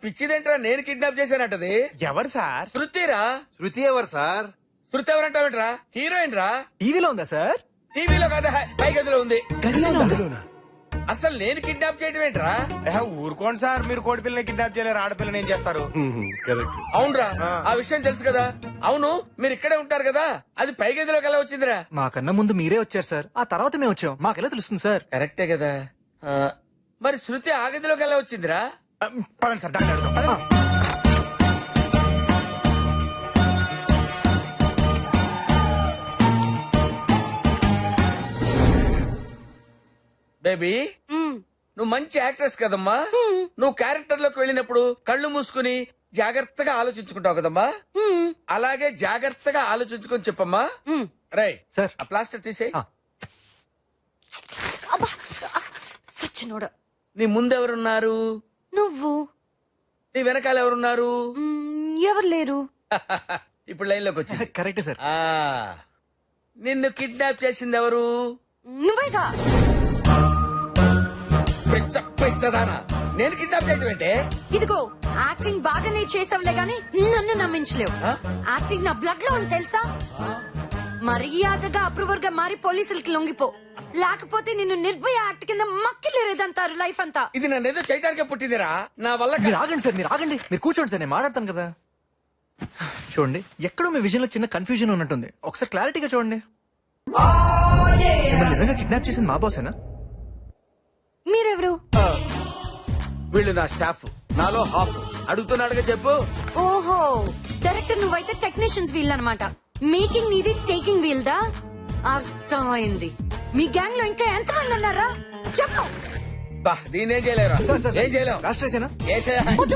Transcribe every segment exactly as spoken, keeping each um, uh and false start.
పిచ్చిదేంట్రా నేను కిడ్నాప్ చేశానంటది. ఎవరు సార్? శృతిరా. శృతి ఎవరు సార్? శృతి ఎవరంటావేంట్రా? హీరోయిన్ రా. టీవీలో ఉందా సార్? టీవీలో కదా, పై గదిలో ఉంది. గదిలోనా? అసలు నేను కిడ్నాప్ చేయటం ఏంట్రా? ఊరుకోండి సార్, మీరు కోడి పిల్లని కిడ్నాప్ చేయలేరు, ఆడపిల్లని ఏం చేస్తారు? కరెక్ట్. అవునరా, ఆ విషయం తెలుసు కదా. అవును, మీరు ఇక్కడే ఉంటారు కదా, అది పై గదిలోకి ఎలా వచ్చిందిరా? మాకన్నా ముందు మీరే వచ్చారు సార్, ఆ తర్వాత మేము వచ్చాం. మాకెలా తెలుస్తుంది సార్? కరెక్టే కదా. ఆ, మరి శృతి ఆ గదిలోకి ఎలా వచ్చిందిరా? ఆ, పదండి సార్, డాక్టర్ అడుగుదాం. పదండి. బేబీ, నువ్వు మంచి యాక్ట్రెస్ కదమ్మా. నువ్వు క్యారెక్టర్ లోకి వెళ్ళినప్పుడు కళ్ళు మూసుకుని జాగ్రత్తగా ఆలోచించుకుంటావు కదమ్మా. అలాగే జాగ్రత్తగా ఆలోచించుకొని చెప్పమ్మా. రై సార్. ఆ ప్లాస్టర్ తీసే. ఆ. సచ్చినోడా. నీ ముందెవరున్నారు? నువ్వు. నీ వెనకాల ఎవరున్నారు? మ్మ్, ఎవరు లేరు. ఇప్పుడు లైన్ లోకి వచ్చింది. కరెక్టే సార్. ఆ, నిన్ను కిడ్నాప్ చేసింది ఎవరు? నువ్వేగా. పిచ్చ పిచ్చదానా, నేను కిడ్నాప్ చేయటం ఏంటే? ఇదిగో యాక్టింగ్ బాగానే చేసావులే గాని నన్ను నమ్మించలేవు. ఆ? యాక్టింగ్ నా బ్లడ్ లో ఉంది తెలుసా. మర్యాదగా అప్రూవర్ గా మారి పోలీసులకి లొంగిపో, లేకపోతే నిన్ను నిర్భయ యాక్ట్ కింద మక్కిలేదంటారు లైఫ్ అంతా. ఇది నన్ను ఏదో చేయడానికే పుట్టిందిరా, నా వల్ల మీరు కా- ఆగండి సార్, మీరు ఆగండి. మీరు కూర్చోండి సార్, నేను మాట్లాడతాను కదా. చూడండి, ఎక్కడో మీ విజన్ లో చిన్న కన్ఫ్యూజన్ ఉన్నట్టుంది. ఒకసారి క్లారిటీగా చూడండి. మిమ్మల్ని నిజంగా కిడ్నాప్ చేసింది మా బాసేనా? మీరెవరు? వీళ్ళు నా స్టాఫ్, నాలో హాఫ్. అడుగుతున్నాడుగా చెప్పు. ఓహో, డైరెక్టర్ నువ్వైతే టెక్నీషియన్స్ వీల్ అనమాట. మేకింగ్ నీది, టేకింగ్ వీల్ దా. అర్థమైంది. మీ గ్యాంగ్ లో ఇంకా ఎంతమంది ఉన్నారా చెప్పు. బా, దీన్నేం చేయలేరా? సార్, సార్, ఏం చేయలేం. రాష్ట్రేసేనా? ఏసేయ్. వద్దు.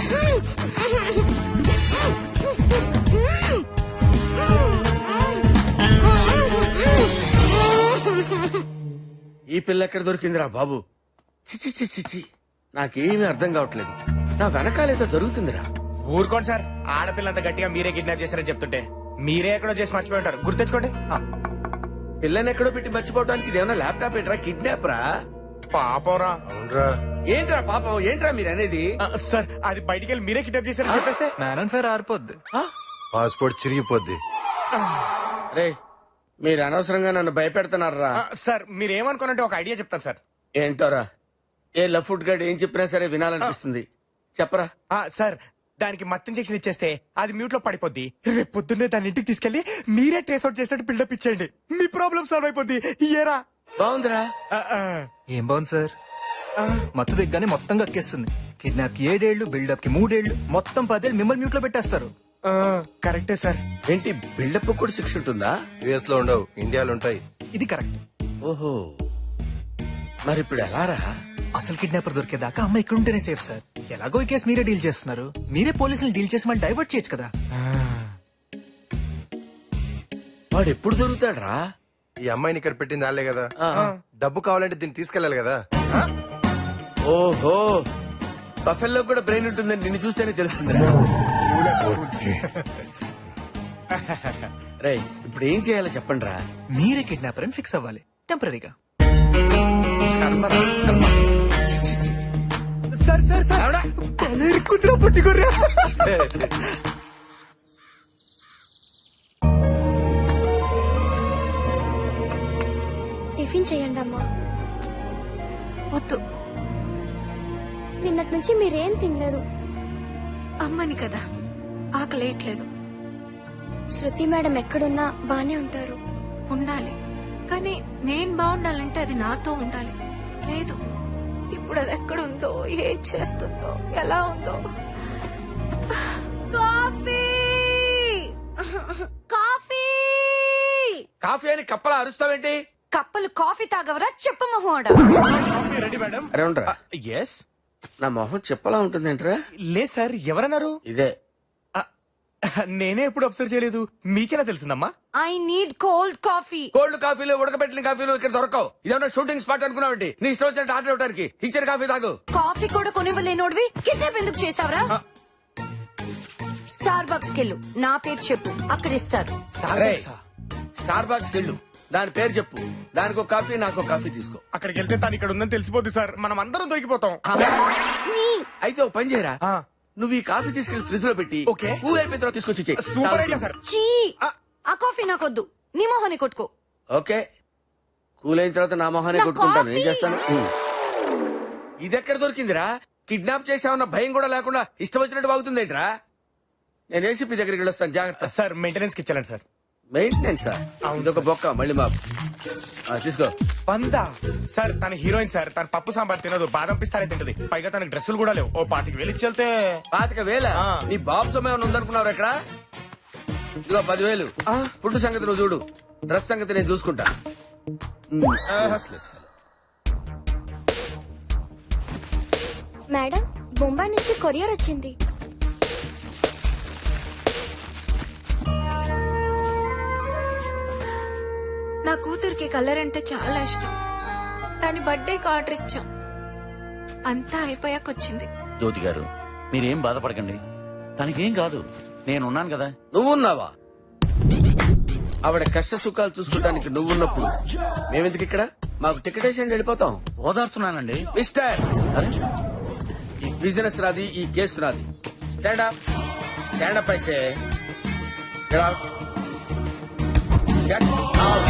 ఈ పిల్ల ఎక్కడ దొరికిందిరా బాబు? చిచి చిచి చి, నాకేమీ అర్థం కావట్లేదు. నా వెనకాలేదో జరుగుతుందిరా. ఊరుకోండి సార్, ఆడపిల్లంత గట్టిగా మీరే కిడ్నాప్ చేశారని చెప్తుంటే మీరే ఎక్కడో చేసి మర్చిపోయి ఉంటారు. గుర్తెచ్చుకోండి. పిల్లని ఎక్కడో పెట్టి మర్చిపోవడానికి ఇదేమన్నా ల్యాప్టాప్ ఏంట్రా? కిడ్నాప్ రా. పాపరా. అవునరా. ఏంట్రా పాపం? ఏంట్రా మీరు అనేది? ఆ, సార్, అది బయటికి వెళ్ళి మీరే కిడ్నాప్ చేశారని చెప్పేస్తే మ్యాన్ అండ్ ఫైర్ ఆరిపోద్ది. పాస్పోర్ట్ చిరిగిపోద్ది. రే, మీరు అనవసరంగా నన్ను భయపెడుతున్నారా? ఆ, సార్ మీరేమనుకోనంటే ఒక ఐడియా చెప్తాను సార్. ఏంటోరా? ఏ లఫుట్ గడ్ ఏం చెప్పినా సరే వినాలనిపిస్తుంది. చెప్పరా. ఆ, సార్, దానికి మత్తు ఇంజెక్షన్ ఇచ్చేస్తే అది మ్యూట్ లో పడిపోద్ది. రేపు పొద్దున్నే దాని ఇంటికి తీసుకెళ్లి మీరే ట్రేస్ అవుట్ చేసినట్టు బిల్డప్ ఇచ్చేయండి. మీ ప్రాబ్లం సాల్వ్ అయిపోద్ది. ఇయ్యరా. బాగుందిరా. ఆ, ఆ, ఏం బాగుంది సార్? ఆ. మత్తు దిగ్గానే మొత్తం కక్కేస్తుంది. కిడ్నాప్ కి ఏడేళ్లు, బిల్డప్ కి మూడేళ్లు, మొత్తం పదేళ్ళు మిమ్మల్ని మ్యూట్ లో పెట్టేస్తారు. ఆ, కరెక్టే సార్. ఏంటి బిల్డప్ కూడా శిక్ష ఉంటుందా? యుఎస్ లో ఉండవు, ఇండియాలో ఉంటాయి. ఇది కరెక్ట్. ఓహో, మరి ఇప్పుడు ఎలా రా? అసలు కిడ్నాపర్ దొరికేదాకా అమ్మ ఇక్కడ ఉంటేనే సేఫ్ సార్. ఎలాగో ఈ కేసు మీరే డీల్ చేస్తున్నారు, మీరే పోలీసులు డీల్ చేసి మళ్ళీ డైవర్ట్ చేయొచ్చు కదా. వాడు ఎప్పుడు దొరుకుతాడ్రా? ఈ అమ్మాయిని ఇక్కడ పెట్టింది వాళ్ళే కదా. ఆ. డబ్బు కావాలంటే దీన్ని తీసుకెళ్ళాలి కదా. ఓహో, బఫెల్లో కూడా బ్రెయిన్ ఉంటుందని నిన్ను చూస్తేనే తెలుస్తుంది. రే, ఇప్పుడు ఏం చేయాలో చెప్పండి రా. మీరే కిడ్నాపర్ అని ఫిక్స్ అవ్వాలి టెంపరీగా. కర్మరా, కర్మ. సార్ సార్ సార్ ఆవిడా? కుదిరా పట్టుకోర్రా. టిఫిన్ చేయండి అమ్మా. వద్దు, నిన్నటి నుంచి మీరేం తినలేదు. అమ్మని కదా, ఆకలేయట్లేదు. శృతి మేడం ఎక్కడున్నా బానే ఉంటారు. ఉండాలి, కానీ నేను బాగుండాలంటే అది నాతో ఉండాలి. లేదు, ఇప్పుడు అది ఎక్కడుందో, ఏం చేస్తుందో, ఎలా ఉందో. కాఫీ కాఫీ కాఫీ అని కప్పలా అరుస్తావేంటి? కప్పలు కాఫీ తాగవరా చెప్ప మొహోడ. Coffee ready madam. అరే ఉండరా, ఎస్. నా మొహం చెప్పలా ఉంటుందేంట్రా? లేదు సార్, ఎవరన్నారు? ఇదే. ఆ, నేనే ఎప్పుడు అబ్జర్వ్ చేయలేదు, మీకెలా తెలిసిందమ్మా? I need cold coffee. Cold కాఫీలు, ఉడకబెట్టిన కాఫీలు ఇక్కడ దొరకవు. ఇదేమన్నా షూటింగ్ స్పాట్ అనుకున్నావంటి? నీ ఇష్టం వచ్చినట్టు ఆర్డర్ ఇవ్వడానికి. ఇచ్చిన కాఫీ తాగు. కాఫీ కూడా కొనివ్వలేనోడివి కిడ్నాప్ ఎందుకు చేసావరా? స్టార్ బక్స్ కెళ్ళు, నా పేరు చెప్పు, అక్కడ ఇస్తారు. అరే, స్టార్ బాక్స్ వెళ్ళు, దాని పేరు చెప్పు. దానికి ఒక కాఫీ, నాకు ఒక కాఫీ తీసుకో. అక్కడికి వెళ్తే తను ఇక్కడ ఉందని తెలిసిపోద్ది సార్, మనం అందరం దొరికిపోతాం. అయితే ఒక పని చేయరా, ఆ. నువ్వు ఈ కాఫీ తీసుకెళ్లి ఫ్రిడ్జ్ లో పెట్టి ఓకే. కూల్ అయిపోయిన తర్వాత తీసుకొచ్చి ఇచ్చేయ్. Super idea sir. చీ ఆ కాఫీ నాకొద్దు, నీ మొహాన్ని కొట్టుకో. ఓకే, కూల్ అయిన తర్వాత నా మొహానే నా కొట్టుకుంటాను. ఏం కాఫీ. చేస్తాను? ఉమ్. ఇది ఎక్కడ దొరికిందిరా? కిడ్నాప్ చేసామన్న భయం కూడా లేకుండా ఇష్టం వచ్చినట్టు వాగుతుందేంట్రా? నేను ఏసీపీ దగ్గరికి వెళ్ళొస్తాను, జాగ్రత్త. సార్ మెయింటెనెన్స్ కి ఇచ్చాను సార్. మెయింటెనెన్స్ ఇదొక బొక్క మళ్ళీ మాకు. ఆ, తీసుకో. వందా సార్, తన హీరోయిన్ సార్, తన పప్పు సాంబార్ తినదు, బాదం పిస్తానే తింటది, పైగా తనకి డ్రెస్సులు కూడా లేవు. ఓ పాతికి వెళ్ళి వెళ్తే పాతిక వేల ఆ. నీ బాబు సమయం ఉందనుకున్నావు ఎక్కడ? ఇదిగో పదివేలు. ఆ. ఫుడ్ సంగతి నువ్వు చూడు, డ్రెస్ సంగతి నేను చూసుకుంటా. Um, useless fellow. Madam, Bombay నుంచి కొరియర్ వచ్చింది. నా కూతురికి కలర్ అంటే చాలా ఇష్టం. దాని బర్త్డేకి ఆర్డర్ ఇచ్చాం, అంతా అయిపోయాక వచ్చింది. జ్యోతి గారు, మీరేం బాధపడకండి, తనకేం కాదు, నేనున్నాను కదా. నువ్వున్నావా? ఆవిడ కష్ట సుఖాలు చూసుకోవడానికి నువ్వున్నప్పుడు మేమెందుకు ఇక్కడ? మాకు టికెట్ వేసి వెళ్ళిపోతాం. ఓదార్చున్నానండి. మిస్టర్, అరే, ఈ బిజినెస్ నాది, ఈ కేసు నాది. స్టాండ్ అప్, స్టాండ్ అప్ అయితే Get out. Get out.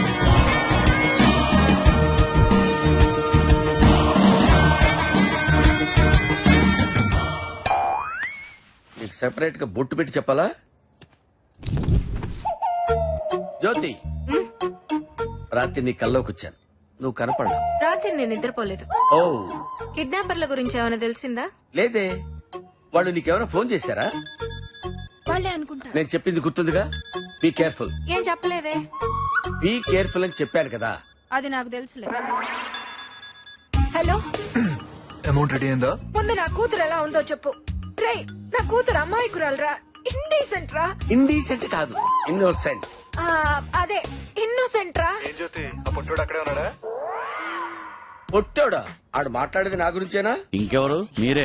నీకు సెపరేట్ గా బొట్టు పెట్టి చెప్పాలా? జ్యోతి, రాత్రి నీ కల్లోకి వచ్చాను, నువ్వు కనపడలా. రాత్రి నేను నిద్రపోలేదు. ఓ కిడ్నాపర్ల గురించి ఏమైనా తెలిసిందా? లేదే, వాళ్ళు నీకేమైనా ఫోన్ చేశారా? వాళ్ళే అనుకుంటా. నేను చెప్పింది గుర్తుందిగా, బీ కేర్ఫుల్. ఏం చెప్పలేదే. బీ కేర్ఫుల్ అని చెప్పాను కదా. అది నాకు తెలుసులే. హలో, అమౌంట్ రెడీ అయిందా? ముందు నా కూతురు ఎలా ఉందో చెప్పు. రే, నా కూతురు అమ్మాయికురాలరా, ఇండీసెంట్ రా. ఇండీసెంట్ కాదు, ఇన్నోసెంట్. ఆ, అదే ఇన్నోసెంట్ రా. ఏం జ్యోతి, ఆ పొట్టోడు అక్కడే ఉన్నాడా? పొట్టోడా? ఆడు మాట్లాడేది నా గురించేనా? ఇంకెవరు? మీరే.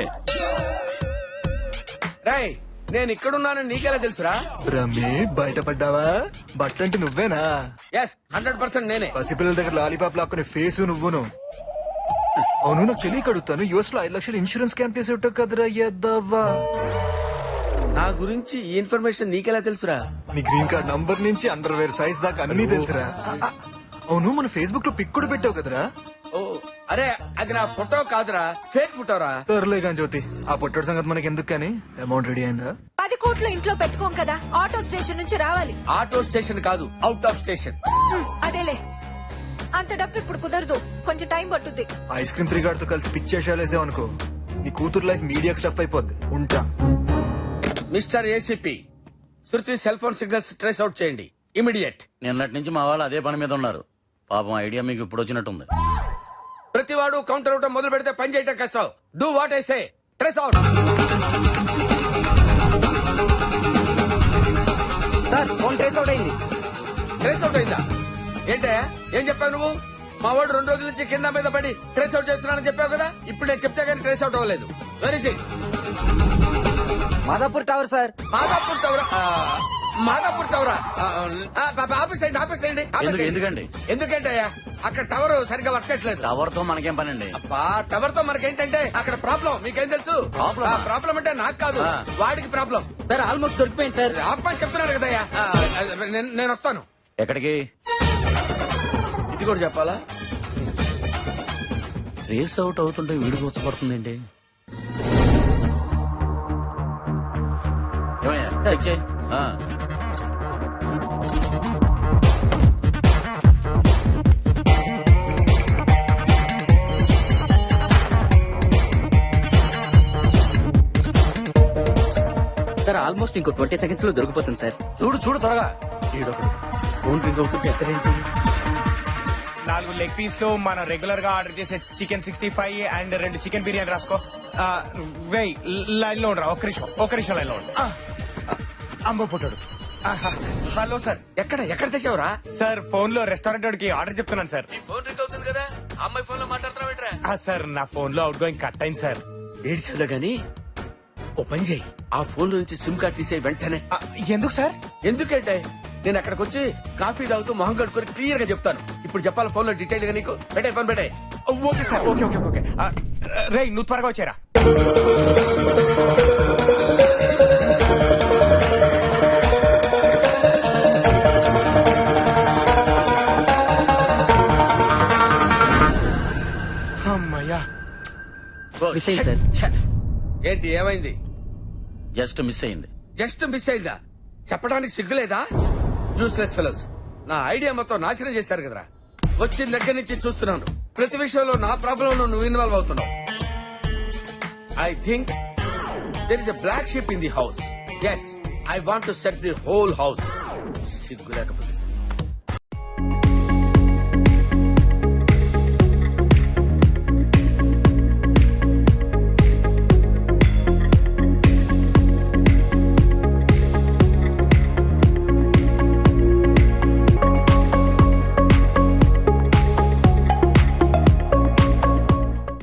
రాయ్, నేను ఇక్కడున్నానని నీకెలా తెలుసురా? రమ్మి, బయటపడ్డావా? బట్ట అంటే నువ్వేనా? ఎస్, హండ్రెడ్ పర్సెంట్ నేనే. పసిపిల్లల దగ్గర లాలీపాప్ లాక్కునే ఫేస్ నువ్వును. అవును, నాకు తెలియక అడుగుతాను, యుఎస్ లో ఐదు లక్షలు ఇన్సూరెన్స్ క్యాంప్ చేసి ఉంటావు కదరా ఎద్దవ్వా. నా గురించి ఈ ఇన్ఫర్మేషన్ నీకెలా తెలుసురా? నీ గ్రీన్ కార్డ్ నంబర్ నుంచి అండర్ వేర్ సైజ్ దాకా అన్ని తెలుసురా. అవును, మన ఫేస్బుక్ లో పిక్ కూడా పెట్టావు కదరా? ఓ, అరే అది నా ఫోటో కాదురా, ఫేక్ ఫోటోరా. సర్లే కానీ జ్యోతి, ఆ పొట్టోడు సంగతి మనకి ఎందుకు కానీ, అమౌంట్ రెడీ అయిందా? పది కోట్లు ఇంట్లో పెట్టుకోం కదా, ఆటో స్టేషన్ నుంచి రావాలి. ఆటో స్టేషన్ కాదు, అవుట్ ఆఫ్ స్టేషన్. హ్మ్, అదేలే. అంత డబ్బు ఇప్పుడు కుదరదు, కొంచెం టైం పట్టుద్ది. ఐస్ క్రీమ్ త్రీ గార్డ్ తో కలిసి పిక్ చేసేసావు అనుకో, నీ కూతురు లైఫ్ మీడియా స్టఫ్ అయిపోద్ది. ఉంటా. Mister ACP, Shruti cell phone signals trace out చేయండి ఇమిడియట్. నిన్నటి నుంచి మా వాళ్ళు అదే పని మీద ఉన్నారు. పాపం ఐడియా మీకు ఇప్పుడు వచ్చినట్టుంది. ప్రతివాడు కౌంటర్ అవటం మొదలు పెడితే పని చేయటం కష్టం. Do what I say, trace out. Sir, phone trace out అయింది. ట్రేస్ అవుట్ అయిందా? ఏంటే, ఏం చెప్పావు నువ్వు? మా వాడు రెండు రోజుల నుంచి కింద మీద పడి ట్రేస్ అవుట్ చేస్తున్నానని చెప్పావు కదా. ఇప్పుడు నేను చెప్తే కానీ ట్రేస్ అవుట్ అవ్వలేదు. వెరీ సి మాదాపూర్ టవర్ సార్. మాదాపూర్ టవరా? మాదాపూర్ టవరా? ఆఫీస్ అయ్యండి, ఆఫీస్ అయ్యండి. ఎందుకు- ఎందుకండి? ఎందుకంటే అక్కడ టవర్ సరిగ్గా వర్క్ చేయట్లేదు. టవర్ తో మనకేం పని అండి? అబ్బా, టవర్ తో మనకేంటంటే అక్కడ ప్రాబ్లం. మీకేం తెలుసు? Problem ఆ? ప్రాబ్లం అంటే నాకు కాదు, ఆ. వాడికి ప్రాబ్లం. సార్, ఆల్మోస్ట్ దొరికిపోయింది సార్. ఆపమని చెప్తున్నాడు కదయ్యా. ఆ, నేను నేను వస్తాను. ఎక్కడికి? ఇది కూడా చెప్పాలా? రేస్ అవుట్ అవుతుంటే వీడికి వచ్చపడుతుందేంటి? ఏమయ్యా, చెక్ చేయి. ఆ. సార్, ఆల్మోస్ట్ ఇంకో ట్వంటీ సెకండ్స్ లో దొరికిపోతుంది సార్. చూడు చూడు త్వరగా. ఈడొకడు ఫోన్ రింగ్ అవుతుంటే ఎక్కడేంటి? నాలుగు లెగ్ పీస్ లో మనం రెగ్యులర్ గా ఆర్డర్ చేసే చికెన్ సిక్స్టీ ఫైవ్ అండ్ రెండు చికెన్ బిర్యానీ రాసుకో. ఆ, వెయ్, లైన్ లో ఉండరా, ఒక్క నిమిషం ఒక్క నిమిషం లైన్ లో ఉండు. ఆ, అంబో పుట్టాడు. ఆహా, హలో సార్. ఎక్కడ ఎక్కడ తెచ్చావురా? సార్, ఫోన్ లో రెస్టారెంట్ వాడికి ఆర్డర్ చెప్తున్నాను సార్. నీ ఫోన్ రింగ్ అవుతుంది కదా, అమ్మాయి ఫోన్ లో మాట్లాడుతున్నావేట్రా? ఆ, సార్, నా ఫోన్ లో అవుట్ గోయింగ్ కట్ అయింది సార్. ఏడ్చాలో గాని ఓ పని చేయి, ఆ ఫోన్ నుంచి సిమ్ కార్డ్ తీసే వెంటనే. ఆ, ఎందుకు సార్? ఎందుకంటే నేను అక్కడికి వచ్చి కాఫీ తాగుతూ మొహం కడుక్కొని క్లియర్ గా చెప్తాను. ఇప్పుడు చెప్పాలి ఫోన్ లో డీటెయిల్ గా నీకు. పెట్టే ఫోన్ పెట్టే. Okay sir, okay okay okay రే నువ్వు త్వరగా వచ్చారా. అమ్మయ్యా. మిస్ అయింది సార్. ఛ! ఏంటి ఏమైంది? జస్ట్ మిస్ అయింది. జస్ట్ మిస్ అయిందా? చెప్పడానికి సిగ్గులేదా? Useless fellows. నా ఐడియా మొత్తం నాశనం చేశారు కదరా. వచ్చిన దగ్గర నుంచి చూస్తున్నాను ప్రతి విషయంలో నా ప్రాబ్లం నువ్వు ఇన్వాల్వ్ అవుతున్నావు. I think there is a black ship in the house. Yes, I want to set the whole house. సిగ్గు లేకపోతే